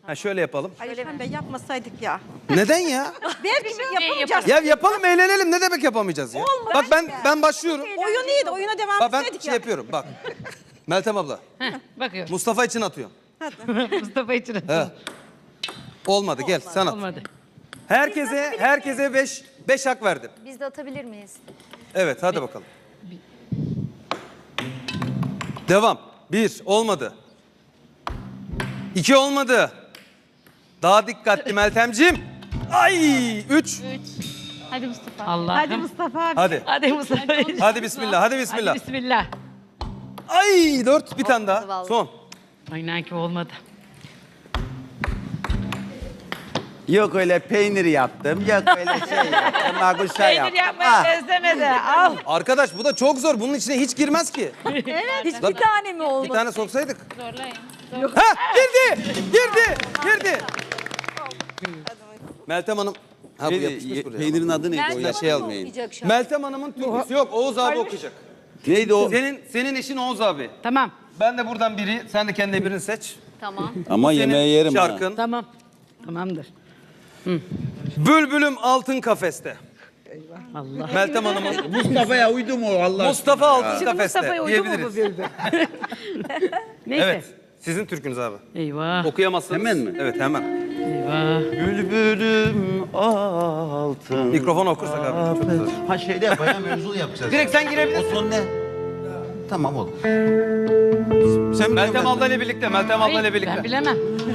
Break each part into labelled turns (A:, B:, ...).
A: Ha şöyle yapalım.
B: Alişan Bey yapmasaydık ya.
A: Neden ya?
B: Belki yapamayacağız.
A: Ya yapalım, eğlenelim. Ne demek yapamayacağız ya?
B: Olmaz.
A: Bak ben başlıyorum.
B: Oyun iyiydi. Oyuna devam
A: Bak ben
B: etseydik
A: şey
B: ya.
A: yapıyorum bak. Meltem abla.
C: Bakıyorum.
A: Mustafa için atıyorum.
C: Mustafa için.
A: He. Olmadı gel sen at.
C: Olmadı.
A: Herkese 5 hak verdim.
D: Biz de atabilir miyiz?
A: Evet hadi bakalım. Devam. 1 olmadı. 2 olmadı. Daha dikkatli Meltemciğim. Ay 3.
D: Hadi Mustafa.
C: Allah'ım.
B: Hadi Mustafa abi.
A: Hadi.
C: Hadi Mustafa.
A: Hadi bismillah. Hadi bismillah.
C: Hadi bismillah.
A: Ay 4 bir tane daha.
D: vallahi.
A: Son.
C: Aynen ki olmadı.
E: Yok öyle peynir yaptım, yok öyle şey yaptım, maguşa
C: Peynir
E: yaptım.
C: yapmayı
E: Ah,
C: beslemedi. Al.
A: Arkadaş bu da çok zor. Bunun içine hiç girmez ki.
D: Hiçbir tane mi
A: Bir
D: olmadı?
A: tane soksaydık.
D: Zorlayın.
A: Ha girdi. Meltem Hanım. Ha bu yapışmış buraya.
E: peynirin adı neydi o
D: Meltem
E: ya?
D: Hanım
E: Şey
D: mı
E: almayın.
D: okuyacak şu an?
A: Meltem Hanım'ın türküsü yok. Oğuz abi okuyacak.
E: Neydi o?
A: Senin eşin Oğuz abi.
C: Tamam.
A: Ben de buradan biri, sen de kendine birini seç.
D: Tamam.
E: Ama
A: Senin
E: yemeği yerim ha.
A: şarkın.
C: Tamam. Tamamdır.
A: Bülbülüm altın kafeste.
C: Allah.
A: Meltem Hanım'ın
E: Mustafa'ya uydu mu o Allah?
A: Mustafa altın
C: Şimdi
A: kafeste
C: Mustafa'ya uydu mu bu
A: diyebiliriz.
C: bülbül? Neyse.
A: Evet. Sizin türkünüz abi.
C: Eyvah.
A: Okuyamazsınız.
E: Hemen mi?
A: Evet hemen.
C: Eyvah.
E: Bülbülüm altın.
A: Mikrofon okursak abi. Çok güzel.
E: Ha şeyde yapacağım, mevzulu yapacağız.
A: Direkt sen girebilirsin.
E: O son ne? Tamam olur. Sen
A: Meltem abla ile birlikte. Meltem abla ile
C: Ben
A: birlikte.
C: bilemem.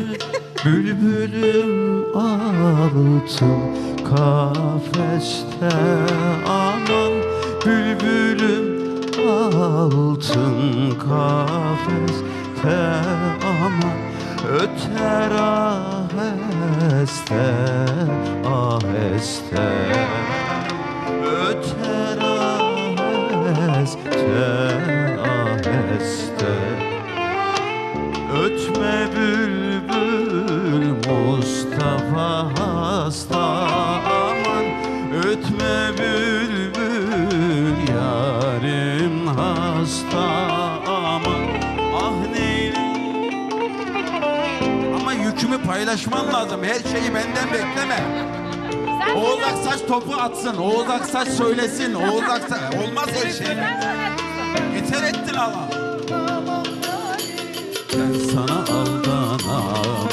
F: Bülbülüm altın kafeste aman bülbülüm altın kafeste aman öter aheste aheste öter aheste aheste ötme bülbül Mustafa hasta aman ötme bülbül yarim hasta aman ah neyleyim. Ama yükümü paylaşmam lazım. Her şeyi benden bekleme. Oğuz Aksaç topu atsın. Oğuz Aksaç söylesin. Oğuz Aksaç olmaz her şey. Yeter ettin ama. Ben sana aldanamam.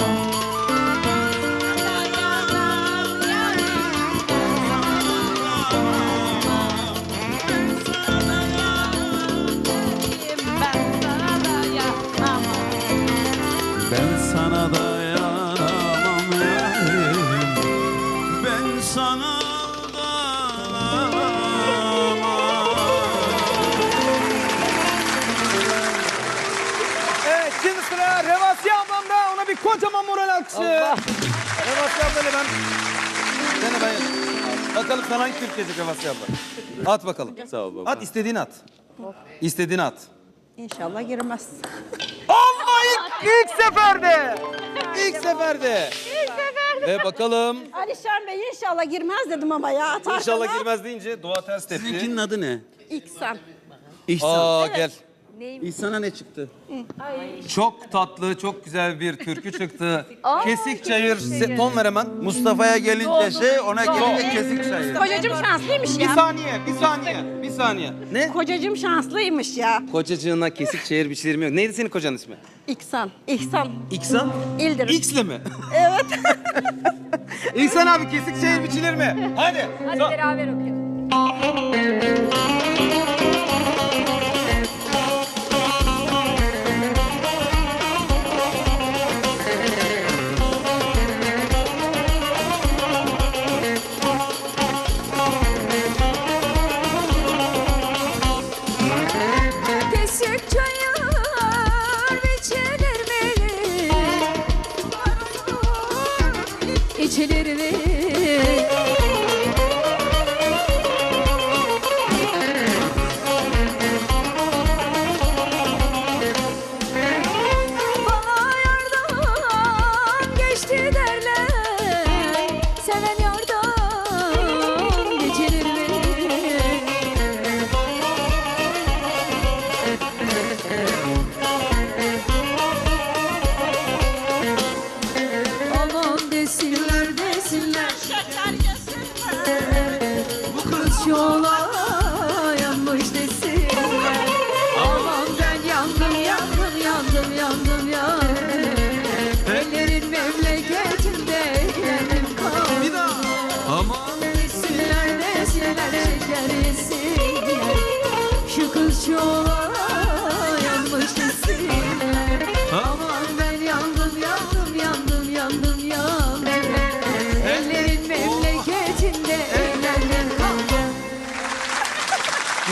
F: Ben sana dayanamam yarim. Ben sana aldanamam.
A: Evet şimdi sıra Revasiye ablamda. Ona bir kocaman moral alkışı. Revasiye ablayla ben. Gene ben. Bakalım sana hangi Türk gelecek Revasiye abla. At bakalım.
E: Sağ ol baba.
A: At istediğini at. İstediğini at.
B: İnşallah girmez.
A: Allah ilk seferde. İlk seferde. Ve bakalım.
B: Alişan Bey inşallah girmez dedim ama ya. Atarsan
A: İnşallah girmez deyince dua ters tepti.
E: Seninkinin adı ne?
B: İhsan.
E: İhsan.
A: Aa gel.
E: İhsan'a ne çıktı?
A: Çok tatlı, çok güzel bir türkü çıktı. Kesik çayır. Ton ver hemen.
E: Mustafa'ya gelince şey, ona gelince kesik çayı.
B: Kocacığım şanslıymış
A: Bir
B: ya.
A: saniye. Ne?
B: Kocacığım şanslıymış ya.
A: Kocacığına kesik çayır biçilir mi yok? Neydi senin kocanın ismi?
B: İhsan. İhsan.
A: İksan?
B: İldirim.
A: X'le mi?
B: Evet.
A: İhsan abi kesik çayır biçilir mi? Hadi.
D: Hadi beraber okuyalım.
G: Kesik çayır biçilir mi? İçilir mi? Bana yardan geçti derler. Seven yardan geçilir mi?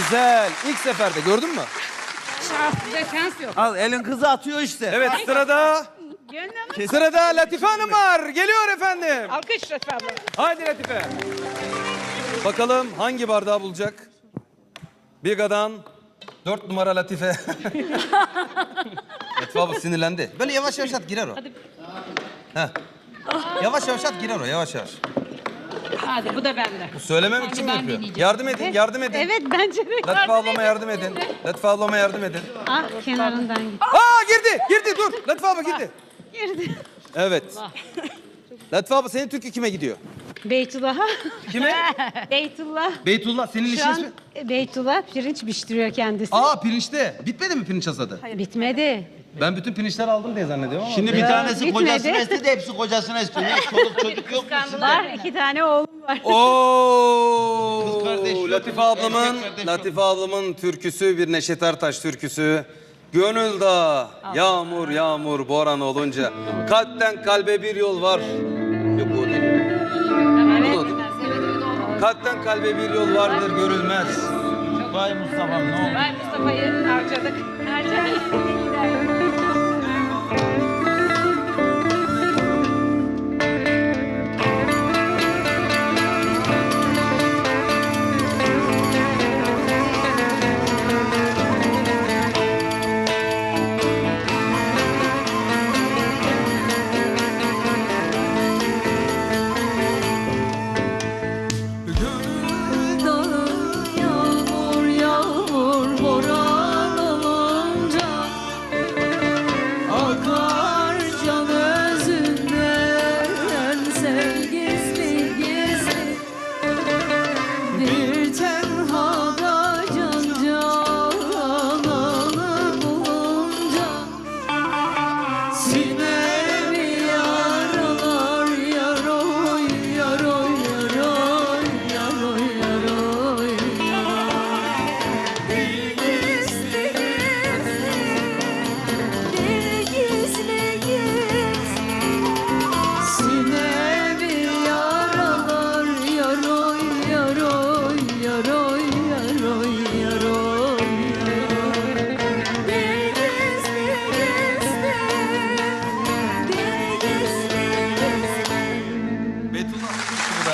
A: Güzel. İlk seferde gördün mü?
C: Şans yok.
E: Al elin kızı atıyor işte.
A: Evet sırada. Sırada Latife Hanım var. Geliyor efendim.
C: Alkış efendim.
A: Haydi Latife. Bakalım hangi bardağı bulacak? Biga'dan 4 numara Latife. Latife abla sinirlendi. Böyle yavaş yavaş at girer o. Heh. Yavaş yavaş at girer o yavaş yavaş.
C: Hadi bu da bende.
A: Bu söylemem için mi yapıyor? Yardım edin, yardım edin.
C: Evet bence de.
A: Latife ablama yardım edin. Latife ablama yardım edin.
C: Ah kenarından git.
A: Aa girdi dur. Latife abla girdi.
C: Girdi.
A: Evet. Latife abla senin türkü kime gidiyor?
C: Beytullah'a.
A: Kime?
C: Beytullah.
A: Beytullah senin
C: Şu
A: işin
C: an
A: ismi?
C: Beytullah pirinç piştiriyor kendisi.
A: Aa pirinçte. Bitmedi mi pirinç hasadı?
C: Bitmedi.
A: Ben bütün pirinçleri aldım diye zannediyorum ama.
E: Şimdi bir tanesi
C: bitmedi.
E: kocasına istedi, hepsi kocasına istiyor. Ya, çoluk çocuk yok mu sizde?
C: Var 2 tane oğlum var.
A: Oo!
E: Kız kardeş yok,
A: Latife ablamın türküsü bir Neşet Ertaş türküsü. Gönül dağı, yağmur yağmur boran olunca kalpten kalbe bir yol var. Yok o değil. Bu da o değil. Kalpten kalbe bir yol vardır görülmez.
E: Vay Mustafa'm ne oldu?
C: Vay Mustafa'yı harcadık.
G: Yağmur yağmur boran olunca akar can özünden sen gizli gizli bir tenhada can cananı bulunca sinemi yaralar yaroy yaroy yaroy yaroy yaroy bir gizli sinemi yaralar yaroy yaroy yaroy yaroy yaroy bir gizli
A: Beytullah burada.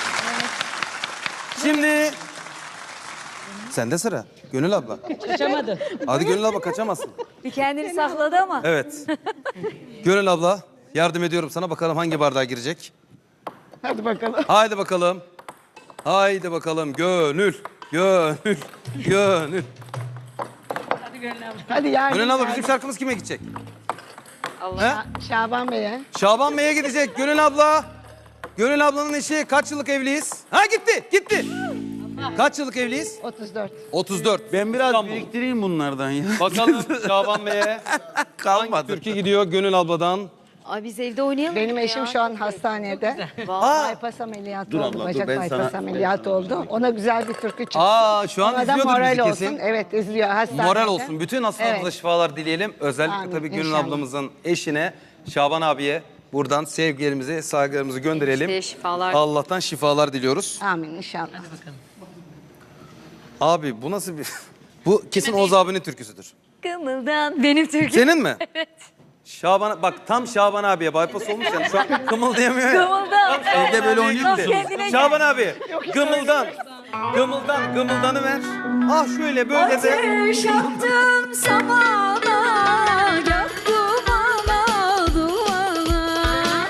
A: Şimdi sende sıra. Gönül abla.
C: Kaçamadı.
A: Hadi Gönül abla kaçamazsın.
D: Bir kendini sakladı ama.
A: Evet. Gönül abla yardım ediyorum sana. Bakalım hangi bardağa girecek?
C: Hadi bakalım.
A: Haydi bakalım. Haydi bakalım. Gönül. Gönül. Gönül.
C: Hadi Gönül abla.
B: Hadi yardım.
A: Gönül abla bizim şarkımız kime gidecek? Allah.
B: Şaban Bey'e.
A: Şaban Bey'e gidecek Gönül abla. Gönül ablanın eşi kaç yıllık evliyiz? Ha gitti, gitti. Kaç yıllık evliyiz?
B: 34.
A: 34.
E: Ben biraz
A: İstanbul.
E: biriktireyim bunlardan ya.
A: Bakalım Şaban Bey'e hangi
E: Kalmadı.
A: türkü gidiyor Gönül abladan?
D: Ay biz evde oynayalım.
B: Benim
D: mı
B: eşim
D: ya?
B: şu an hastanede.
A: Aa,
B: Bypass ameliyatı
E: Dur
B: oldu.
E: abla, dur,
B: Bacak
E: ben
B: bypass
E: sana-
B: ameliyatı oldu. Ona güzel bir türkü çıktı.
A: aa şu an
B: Ona da
A: izliyordur
B: moral
A: bizi
B: olsun.
A: kesin.
B: Evet izliyor hastanede.
A: Moral olsun. Bütün hastalarımıza
B: Evet.
A: şifalar dileyelim. Özellikle
B: Amin,
A: tabii Gönül
B: inşallah.
A: ablamızın eşine, Şaban abiye buradan sevgilerimizi, saygılarımızı gönderelim.
D: İşte şifalar.
A: Allah'tan şifalar diliyoruz.
B: Amin inşallah.
A: Abi bu nasıl bir... Bu kesin Oğuz abinin türküsüdür.
D: Kımıldan benim Türk'üm.
A: Senin mi? Evet. Şaban, bak tam Şaban abiye bypass olmuş yani şu an kımıldayamıyor ya.
D: Kımıldan.
E: Evde böyle oynuyor
A: Gitti.
E: musun?
D: Kendine
A: Şaban abi, gımıldan. Gımıldan, gımıldanı ver. Ah şöyle böyle de.
G: Ateş yaktım samana, yaktım ana duvana.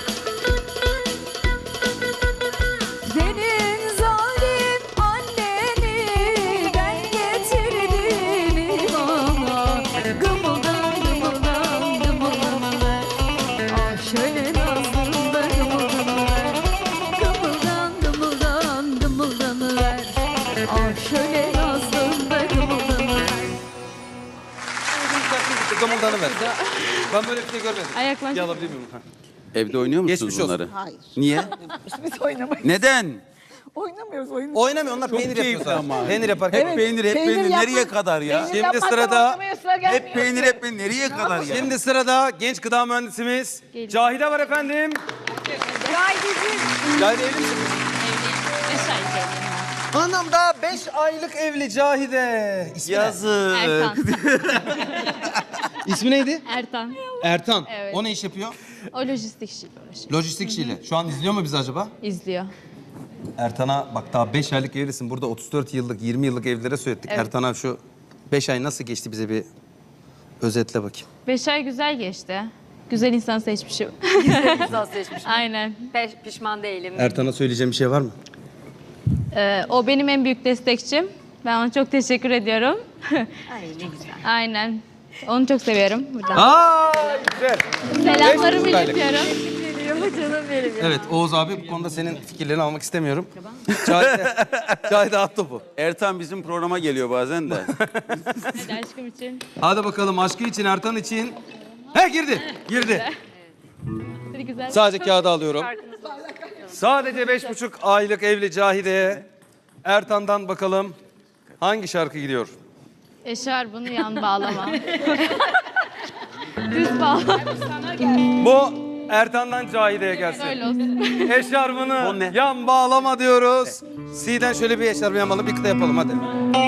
G: Senin zalim anneni ben getirdim imana. Gımıldan gımıldan gımıldan ver. Ah şöyle nazlım da gımıldan ver. Gımıldan gımıldan gımıldan ver. Ah şöyle nazlım da gımıldan ver.
A: Gımıldanı ver. Ben böyle bir şey görmedim.
C: Ayaklan.
A: Bir alabilir miyim? Ha.
E: Evde oynuyor musunuz
A: Geçmiş olsun.
E: bunları?
B: Hayır.
E: Niye?
B: Biz oynamayız.
E: Neden?
B: Oynamıyoruz oyun.
A: Oynamıyor onlar peynir yapıyor
E: keyifli
A: sadece.
E: ama.
A: Peynir yaparken.
E: Hep peynir, hep
B: peynir
E: peynir.
B: yapmak-
E: Nereye kadar ya?
B: Peynir
A: Şimdi
B: yapmaktan
A: sırada-
B: oynamaya sıra gelmiyor
E: Hep peynir,
B: ki.
E: hep peynir. Nereye kadar ya?
A: Şimdi sırada genç gıda mühendisimiz Cahide var efendim. Cahide evli misin? Anam daha 5 aylık evli Cahide. İsmi ne?
E: Yazık.
G: Ertan.
A: İsmi neydi?
G: Ertan.
A: Ertan.
G: Evet.
A: O ne iş yapıyor?
G: O lojistik işiyle uğraşıyor.
A: Lojistik işiyle. Şu an izliyor mu bizi acaba?
G: İzliyor.
A: Ertan'a bak daha 5 aylık evlisin. Burada 34 yıllık, 20 yıllık evlilere söyledik.
G: Evet.
A: Ertan'a şu 5 ay nasıl geçti bize bir özetle bakayım.
G: 5 ay güzel geçti. Güzel insan seçmişim.
D: Güzel seçmiş.
G: Aynen.
D: Pişman değilim.
A: Ertan'a söyleyeceğim bir şey var mı?
G: O benim en büyük destekçim. Ben ona çok teşekkür ediyorum.
D: Ay ne güzel.
G: Aynen. Onu çok seviyorum buradan.
A: Aa güzel.
G: Selamlarımı
A: 5,5 aylık.
G: iletiyorum.
D: Canım benim.
A: Evet Oğuz abi bu konuda senin fikirlerini almak istemiyorum. Cahide at topu.
E: Ertan bizim programa geliyor bazen de.
G: Hadi aşkım için.
A: Hadi bakalım aşkı için, Ertan için. He girdi.
G: Hadi güzel.
A: Sadece kağıdı alıyorum. Sadece 5,5 aylık evli Cahide'ye Ertan'dan bakalım hangi şarkı gidiyor?
G: Eşarbını yan bağlama. Düz bağlama.
A: Bu Ertan'dan Cahide'ye gelsin.
G: Öyle olsun.
E: O
A: Eşarbını
E: ne?
A: yan bağlama diyoruz. C'den şöyle bir eşarbı yan bağlama bir kıta yapalım hadi.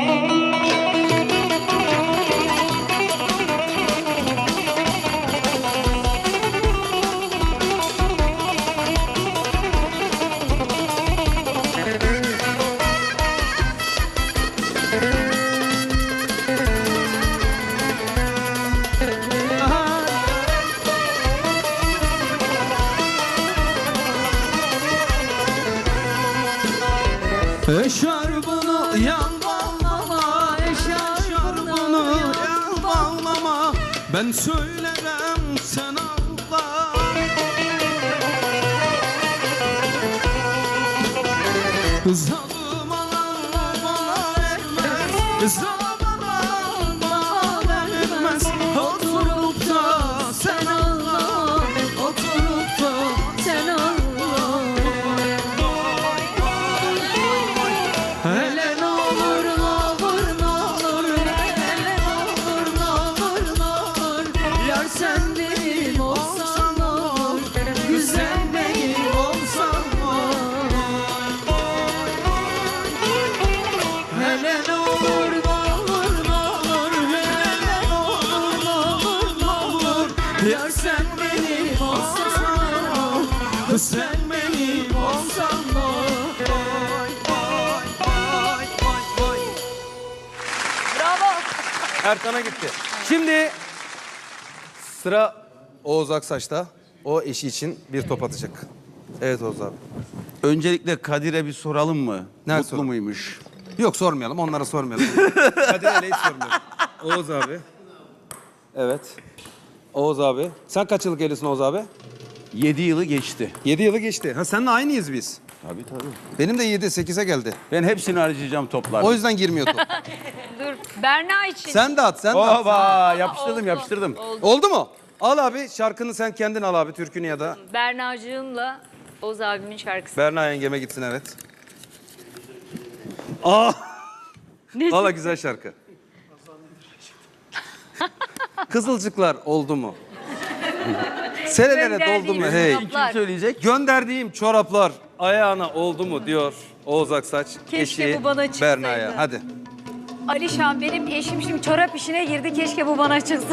F: Eşarbını yan bağlama, eşarbını yan bağlama. Ben söylerim sen ağla. Zalim alan bana vermez, zalim alan bana vermez. Oturup da sen ağla, oturup da sen ağla. Hele ne olur ne olur ne olur, hele ne olur ne olur ne olur. Yar sen benim olsan ne olur, güzel benim olsan ne olur. Hele ne olur ne olur ne olur, hele ne olur ne olur ne olur. Yar sen benim olsan ne olur, sen benim olsan ne olur.
A: Ertan'a gitti. Şimdi sıra Oğuz Aksaç'ta. O eşi için bir top atacak. Evet Oğuz abi.
E: Öncelikle Kadir'e bir soralım mı?
A: Ne
E: Mutlu
A: soralım?
E: muymuş?
A: Yok sormayalım, onlara sormayalım. Kadir Aley'i sormuyorum. Oğuz abi. Evet. Oğuz abi. Sen kaç yıllık evlisin Oğuz abi?
E: 7 yılı geçti.
A: 7 yılı geçti. Ha seninle aynıyız biz.
E: Tabii tabii.
A: Benim de 7-8'e geldi.
E: Ben hepsini harcayacağım toplarda.
A: O yüzden girmiyor top.
D: Dur. Berna için.
A: Sen de at, sen de at.
E: Oba yapıştırdım yapıştırdım.
A: Oldu mu? Al abi şarkını sen kendin al abi türkünü ya da.
D: Bernacığımla Oğuz abimin şarkısı.
A: Berna yengeme gitsin evet. Aa! Valla güzel şarkı. Kızılcıklar oldu mu? Serelere doldu mu hey?
E: Kim söyleyecek?
A: Gönderdiğim çoraplar ayağına oldu mu diyor Oğuz Aksaç.
D: Keşke
A: eşi
D: bu bana çıksaydı.
A: Berna'ya. Hadi.
D: Alişan benim eşim şimdi çorap işine girdi. Keşke bu bana çıksın.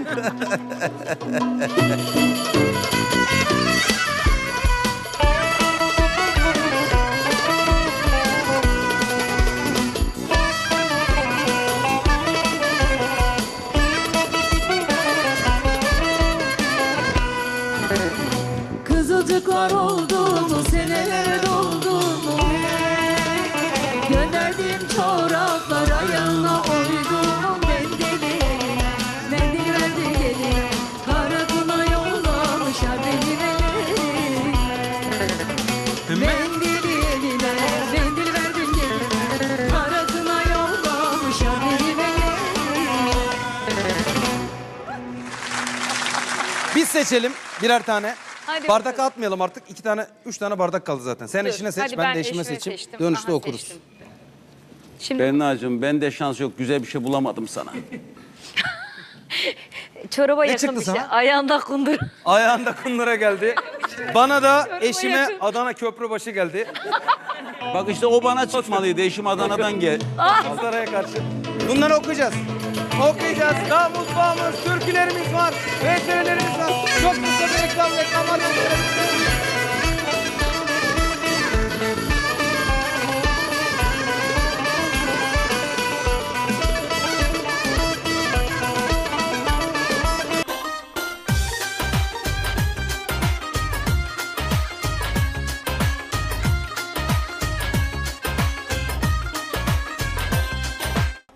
G: Kızılcıklar oldu mu, seneler doldu mu? Gönderdiğim çoraplar ayağına oydu mu? Mendil verdi gelin, karakula yollamışlar benim elimi. Mendili eline, mendil verdim gelin, karakula yollamışlar benim elimi.
A: Biz seçelim birer tane.
D: Hadi
A: Bardak
D: bakalım.
A: atmayalım artık. 2 tane, 3 tane bardak kaldı zaten. Sen eşine seç,
D: Hadi
A: ben de eşime
D: eşime
A: seçeyim.
D: seçtim.
A: Dönüşte
D: Aha,
A: okuruz.
D: seçtim. Şimdi
E: Berna'cığım bende şans yok. Güzel bir şey bulamadım sana.
D: çoraba
A: Ne
D: yakın
A: çıktı
D: bir şey.
A: sana?
D: Ayağında kundur.
A: Ayağında kunlara geldi. Bana da eşime Adana Köprübaşı geldi.
E: Bak işte o bana çıkmalıydı. Eşim Adana'dan gel.
A: Saraya karşı. Bunları okuyacağız. Okuyacağız. Daha mutfağımız, türkülerimiz var. VTR'lerimiz var. Çok kısa bir reklam var.